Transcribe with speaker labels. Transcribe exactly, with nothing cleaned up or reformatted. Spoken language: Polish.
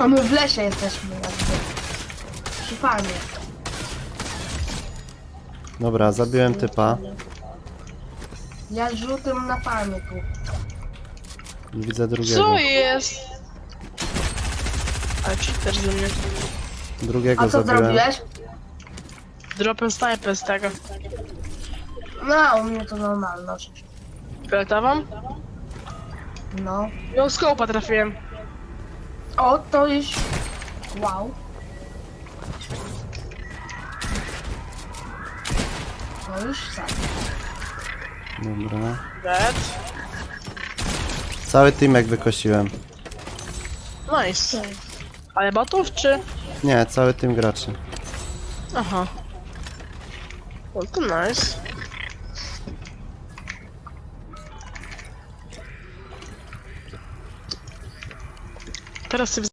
Speaker 1: A my w lesie jesteśmy jakby. Przy farmie.
Speaker 2: Dobra, zabiłem typa.
Speaker 1: Ja żółtym na farmie tu.
Speaker 2: Widzę drugiego.
Speaker 3: Co jest? Ale cheater ze mnie.
Speaker 2: Drugiego
Speaker 1: A co
Speaker 2: zabiłem.
Speaker 1: zrobiłeś?
Speaker 3: Dropem snajper z tego.
Speaker 1: No, u mnie to normalność.
Speaker 3: Fioletową?
Speaker 1: No.
Speaker 3: No skopa trafiłem.
Speaker 1: O, to już... Wow. To już sam.
Speaker 2: Dobra.
Speaker 3: Dead.
Speaker 2: Cały teamek wykosiłem.
Speaker 3: Nice. Ale botów czy?
Speaker 2: Nie, cały team graczy.
Speaker 3: Aha. No to nice. Teraz sobie